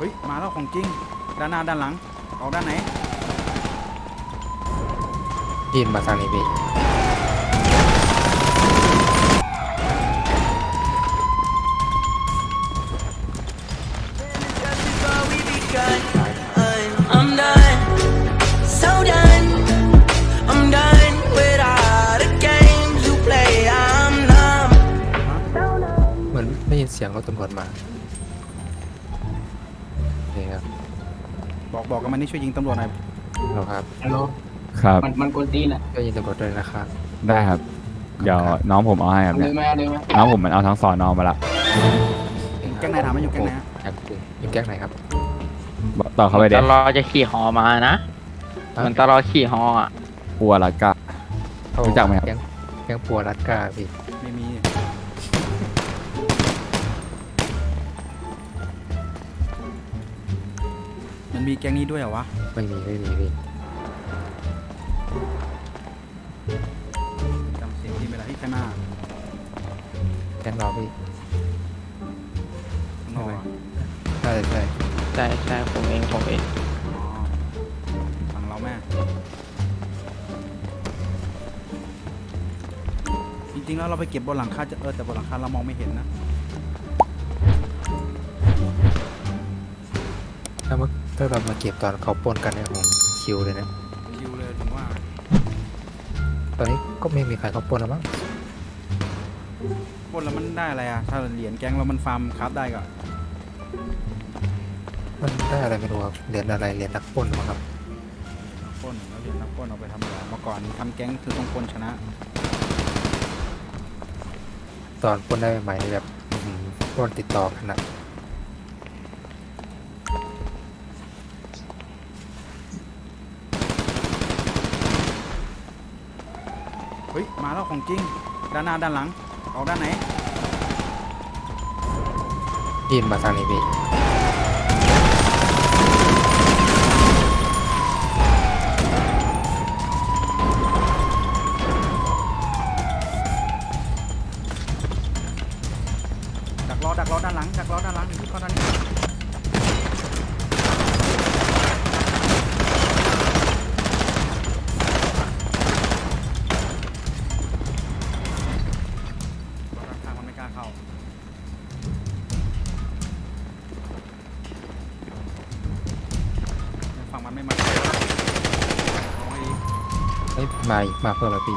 ฮ้ยมาแล้วของจริงด้านหน้าด้านหลังออกด้านไหนยินมาทางนี้พี่เหมือนได้ยินเสียงรถตำรวจมานี่ครับบอกกันมันนี่ช่วยยิงตำรวจหน่อยเราครับฮัลโหลครับมันกวนตีนอ่ะก็ยินตำรวจด้วยนะครับได้ครับ เดี๋ยวน้องผมเอาให้ครับเอาเลเนี่ยยไหมเอาเลยไหมน้องผมมันเอาทั้งสอนอมาละแก๊งไหนถามมันอยู่แก๊งไหนฮะอยู่แก๊งไหนครับบอกต่อเข้าไปเด็ตลอจะขี่ฮอมานะเหมือนตลอขี่ฮออ่ะปัวละกะ รู้จักไหมครับแก๊งปัวรัดก้าพี่ไม่มีมันมีแก๊งนี้ด้วยเหรอวะไม่มีพี่จำเสียงที่ไม่ได้ที่ใครมาแก๊งเราพี่ข้างนอกอะใช่ใช่ใช่ผมเองอ๋อฝั่งเราแม่จริงๆแล้วเราไปเก็บบนหลังคาจะแต่บนหลังคาเรามองไม่เห็นนะถ้าเรามาเก็บตอนเขาปล้นกันเนี่ยผมคิวเลยนะคิวเลยถึงว่าตอนนี้ก็ไม่มีใครเขาปล้นแล้วมั้งปล้นแล้วมันได้อะไรอ่ะถ้าเหรียญแก๊งเรามันฟาร์มคราฟได้ก็มันได้อะไรไม่รู้ครับเหรียญอะไรเหรียญนักปล้นมั้งครับปล้นแล้วเหรียญนักปล้นเอาไปทำอะไรเมื่อก่อนทำแก๊งคือต้องปล้นชนะตอนปล้นได้ใหม่ๆนี่แบบปล้นติดต่อกันนะเฮ้ยมาแล้วของจริงด้านหน้าด้านหลังออกด้านไหนยินมาทางนี้พี่ดักรอด้านหลังดักรอด้านหลังอยู่ข้างด้านนี้ทางมันไม่กล้าเข้าฝั่งมันไม่มาเอาให้ดีเอ้ยมาเพิ่มแล้วพี่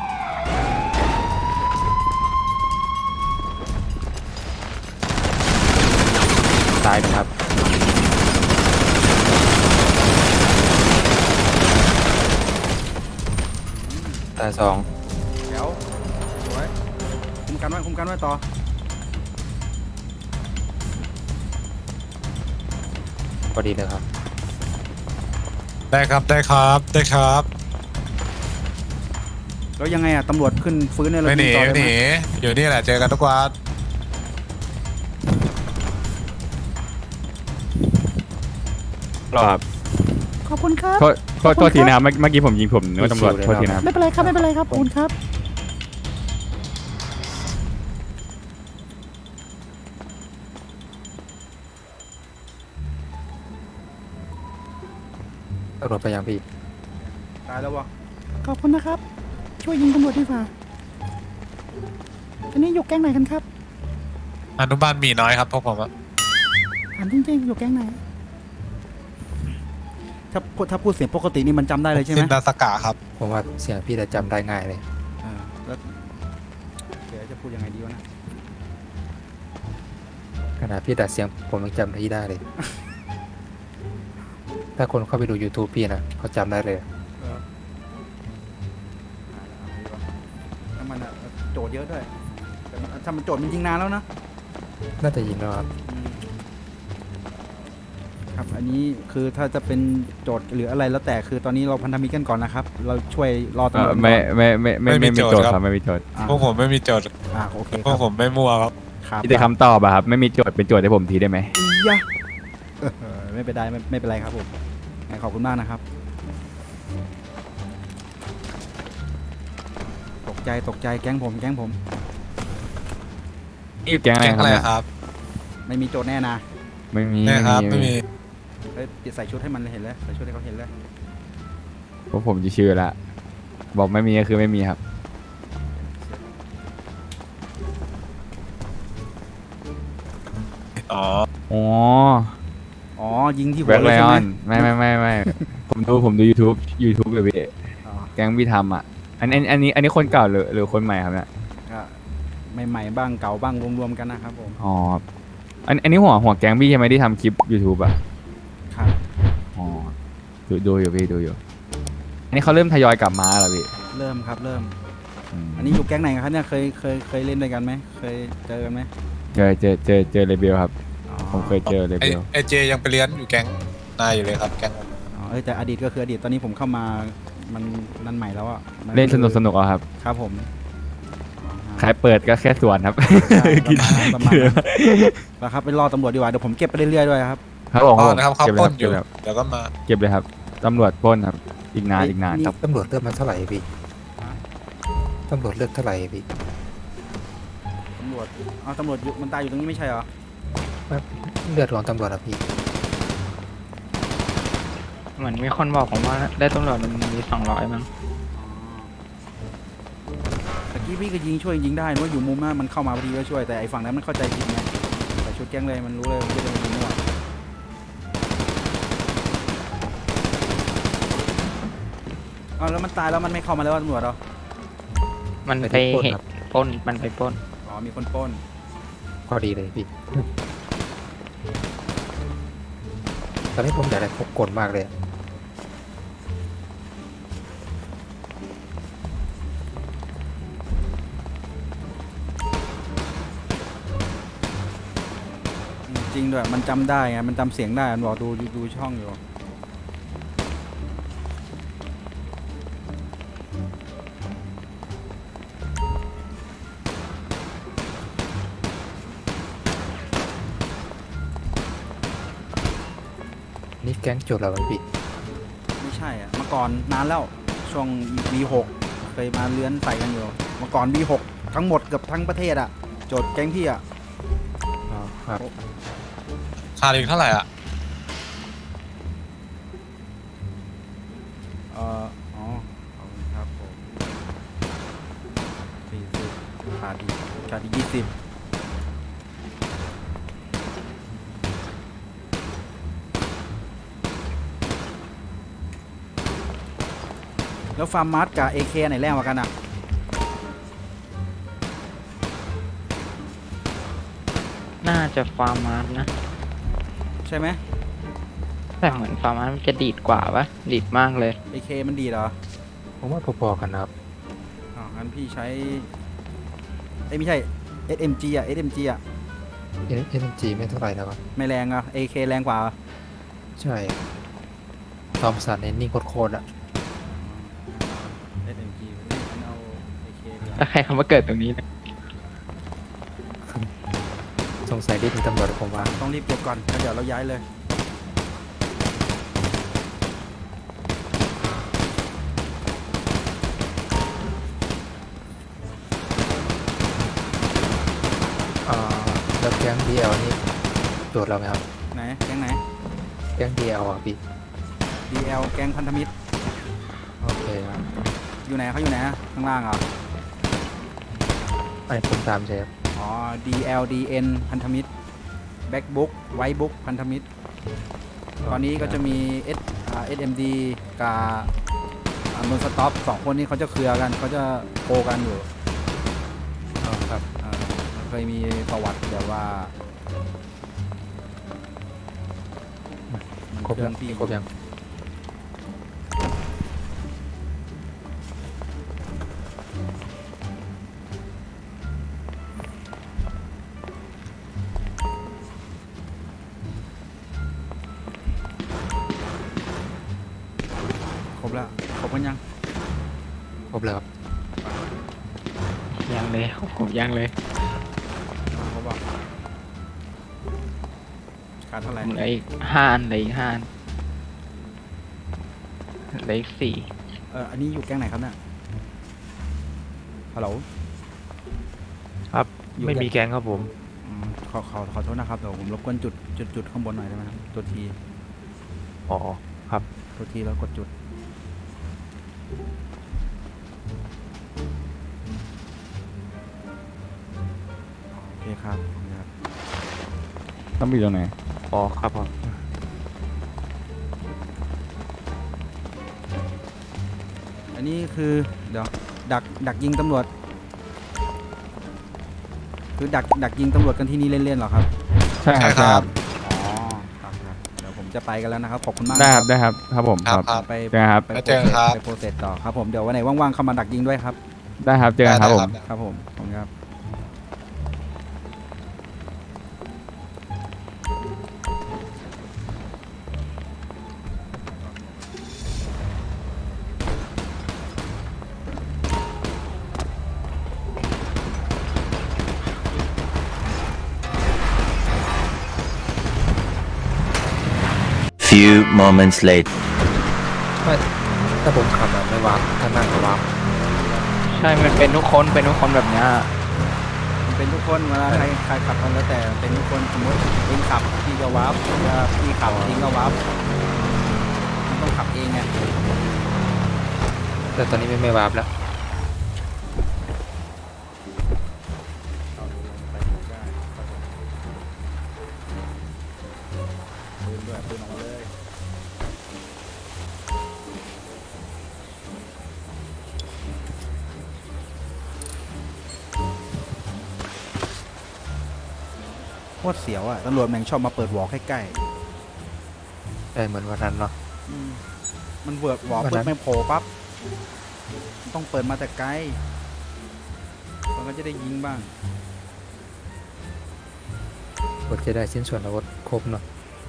ตายนะครับตายสองเดี๋ยวสวยคุมกันไว้ต่อพอดีเลยครับได้ครับได้ครับแล้วยังไงอ่ะตำรวจขึ้นฟื้นในรถไม่หนีต่อไม่ได้หไหมนีอยู่นี่แหละเจอกันทุกวันครับขอบคุณครับโทษทีนะครับเมื่อกี้ผมยิงผมนึกว่าตำรวจโทษทีนะครับไม่เป็นไรครับไม่เป็นไรครับขอบคุณครับตำรวจไปยังพี่ตายแล้ววะขอบคุณนะครับ ช่วยยิงตำรวจดีกว่าอันนี้อยู่แก๊งไหนกันครับอนุบาลมีน้อยครับพวกผมอะถามจริงๆอยู่แก๊งไหนถ้าพูดเสียงปกตินี่มันจำได้เลยใช่ไหมซินดาสกะครับผมว่าเสียงพี่จะจำได้ง่ายเลยแล้วเดี๋ยวจะพูดยังไงดีวะนะขนาดพี่ดัดเสียงผมยังจำพี่ได้เลย ถ้าคนเข้าไปดู YouTube พี่นะเขาจำได้เลยถ้ามันอะโจทย์เยอะด้วยแต่ถ้ามันโจทย์มันยิงนานแล้วนะน่าจะยิงแล้วครับครับอันนี้คือถ้าจะเป็นโจทย์หรืออะไรแล้วแต่คือตอนนี้เราพันธมิตรกันก่อนนะครับ เราช่วยรอตำรวจก่อนไม่มีโจทย์ครับไม่มีโจทย์อ่ะพวกผมไม่มีโจทย์โอเคพวกผมไม่มั่วครับครับมีแต่คำตอบอะครับไม่มีโจทย์เป็นโจทย์ให้ผมทีได้ไหมอียะไม่เป็นไรไม่เป็นไรครับผมงั้นขอบคุณมากนะครับ ตกใจแก๊งผมนี่แก๊งอะไรแก๊งครับอะไรเนี่ยครับไม่มีโจทย์แน่นะไม่มีเนี่ยครับไม่มีเฮ้ยใส่ชุดให้มันเห็นเลยใส่ชุดให้เขาเห็นเลยเพราะผมจะชื่อละบอกไม่มีก็คือไม่มีครับอ๋ออ๋ออ๋อยิงที่หัแบ็วคเลไลยใช่อไหมอนไม่ผมดู YouTube เลยพี่อ๋อแก๊งพี่ทำอ่ะอันนี้คนเก่าหรือคนใหม่ครับเนี่ยก็ใหม่ๆบ้างเก่าบ้างรวมๆกันนะครับผมอ๋ออันนี้หัวแก๊งพี่ใช่ไหมที่ทำคลิป YouTube อ่ะครับอ๋อดูอยู่พี่ดูอยู่ อันนี้เขาเริ่มทยอยกลับมาแล้วพี่เริ่มครับเริ่มมอันนี้อยู่แก๊งไหนครับเนี่ยเคยเล่นด้วยกันไหมเคยเจอกันไหมเจอเลเบลครับอ๋อผมเคยเจอเลไอเบลไอเจยังไปเรียนอยู่แก๊งนายอยู่เลยครับแก๊งผมอ๋อแต่อดีตก็คืออดีตตอนนี้ผมเข้ามามันนั่นใหม่แล้วอ่ะมัเล่นสนุกเอาครับครับผมใครเปิดก็แค่ส่วนครับใช่ประมาณนั้นแล้วครับไปรอตำรวจดีกว่าเดี๋ยวผมเก็บไปเรื่อยๆด้วยครับครับผมอ๋อนะครับเขาเก็บปล้นเลยอยู่ครับเดี๋ยวก็มาเก็บเลยครับตำรวจปล้นครับ อีกนานเอ้ยอีกนานนี่ครับตำรวจเลือกมาเท่าไหร่พี่ตำรวจเลือกเท่าไหร่พี่ตำรวจเอาตำรวจอยู่มันตายอยู่ตรงนี้ไม่ใช่เหรอเลือดของตำรวจอะพี่เหมือนมีคนบอกผมว่าได้ตำรวจมันมี200มั้งตะกี้พี่ก็ช่วยยิงได้นึกว่าอยู่มุมหน้ามันเข้ามาพอดีก็ช่วยแต่ไอ้ฝั่งนั้นมันเข้าใจผิดไงแต่ชุดแก๊งเลยมันรู้เลยว่าไม่ได้เป็นมั่วเอาแล้วมันตายแล้วมันไม่เข้ามาแล้วตำรวจเหรอมันไปไปที่ปล้นเห็นครับปล้นมันไปปล้นอ๋อมีคนปล้นพอดีเลยพี่ ตอนนี้ผมอยากได้พกกลมากเลยอะจริงด้วยมันจำได้ไงมันจำเสียงได้มันบอกดูช่องอยู่นี่แก๊งโจรแล้วพี่ไม่ใช่อ่ะเมื่อก่อนนานแล้วช่วง V6 เคยมาเลื้อนใส่กันอยู่เมื่อก่อน V6 ทั้งหมดเกือบทั้งประเทศอ่ะโจทย์แก๊งพี่อ่ะอ๋อครับค่าเรียนเท่าไหร่อ่ะอ๋อขอบคุณครับผม40ขาดอีก20แล้วฟาร์มมาร์ทกับ AK ไหนแรงกว่ากันอ่ะน่าจะฟาร์มาร์นะใช่ไหมแต่เหมือนฟาร์มาร์มันจะดีดกว่าปะดีดมากเลย AK มันดีเหรอผมว่าพอๆกันนะครับอ๋องั้นพี่ใช้เอ้ยไม่ใช่ SMG อ่ะ SMG อ่ะ SMG ไม่เท่าไหร่นะครับไม่แรงอ่ะ AK แรงกว่าเหรอใช่ทอมสันเนนิ่งโคตรๆอะ SMG งั้นเอา AK ดีกว่าถ้าใครคำว่าเกิดตรงนี้นะสงสัยรีบมีตำรวจผมว่าต้องรีบเก็บก่อนแล้วเดี๋ยวเราย้ายเลยแล้วแก๊ง DL นี่โจทย์เราไหมครับไหนแก๊งไหนแก๊ง DL อ่ะพี่ DL แก๊งพันธมิตรโอเคครับอยู่ไหนเขาอยู่ไหนอะข้างล่างเหรอไอ้ผมตามใช่ครับอ๋อ DLDN พันธมิตร Backbook Whitebook พันธมิตร ตอนนี้ก็จะมี SMD กับนนสต็อปสองคนนี้เขาจะเคลียร์กันเขาจะโกกันอยู่อ๋อครับมันเคยมีประวัติแบบว่าครบเพื่ยัอง นพี่ครบยังครบแล้วครบกันยังครบแล้วครับยังเลยผมยังเลยครบอ่ะขาดเท่าไหร่เหลืออีก5 อันเหลืออีก5 อันเหลืออีก4 อันนี้อยู่แก๊งไหนครับเนี่ยฮัลโหลครับอยู่ไม่มีแก๊งแก๊งครับผมขขอโทษนะครับเดี๋ยวผมรบกวนจุดข้างบนหน่อยได้ไหมครับตัวทีอ๋อครับตัวทีแล้วกดจุดโอเคครับครับต้องไปอยู่ตรงไหนอ๋อครับผมอันนี้คือเดี๋ยวดักยิงตำรวจคือดักยิงตำรวจกันที่นี่เล่นๆเหรอครับใช่ครับใช่ครับอ๋อครับเดี๋ยวผมจะไปกันแล้วนะครับขอบคุณมากได้นะครับได้ครับครับผมครับครับไปเจอกันครับไปแล้วเจอกันครับไปโปรเซสต่อครับผมเดี๋ยววันไหนว่างๆเข้ามาดักยิงด้วยครับได้ครับเจอกันครับผมครับผมขอบคุณครับ Few moments later. ไม่ถ้าผมขับอะไม่วาร์ปถ้านั่งก็วาร์ปใช่มันเป็นทุกคนแบบเนี้ยมันเป็นทุกคนเวลาใครขับกันแล้วแต่เป็นทุกคนสมมติเองขับพี่ก็วับถ้าพี่ขับเองก็วับมันต้องขับเองไงแต่ตอนนี้ไม่วาร์ปแล้วปืนด้วยปืนออกมาเลยโคตรเสียวอ่ะตำรวจแม่งชอบมาเปิดวอลใกล้ได้เหมือนวันนั้นเนาะๆมันเวิร์ดวอลวันเปินั้ดนไม่โผล่ปั๊บมันต้องเปิดมาแต่ไกลมันก็จะได้ยิงบ้างกดจะได้ชิ้นส่วนอาวุธครบเนาะ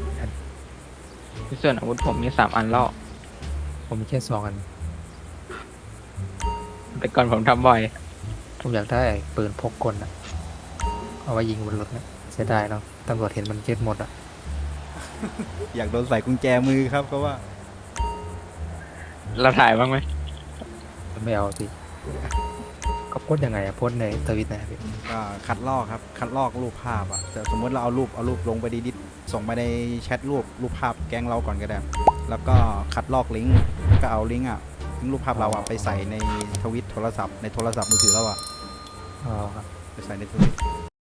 ส่วนอาวุธผมมี3 อันแล้วผมมีแค่2 อันแต่ก่อนผมทำบ่อยผมอยากได้ปืนพกกลอะเอาไว้ยิงบนรถนะเสียดายเนาะตำรวจเห็นมันเจ็ดหมดอะอยากโดนใส่กุญแจมือครับก็ว่าเราถ่ายบ้างไหมไม่เอาสิก็โพสต์ยังไงอะโพสต์ในทวิตนะพี่ก็คัดลอกครับคัดลอกรูปภาพอ่ะแต่สมมติเราเอารูปลงไปดิสส่งไปในแชทรูปภาพแก๊งเราก่อนก็ได้แล้วก็คัดลอกลิงก์ก็เอาลิงก์อ่ะลิงก์รูปภาพเราอ่ะไปใส่ในทวิตโทรศัพท์ในโทรศัพท์มือถือเราอ่ะอ๋อครับไปใส่ในทวิต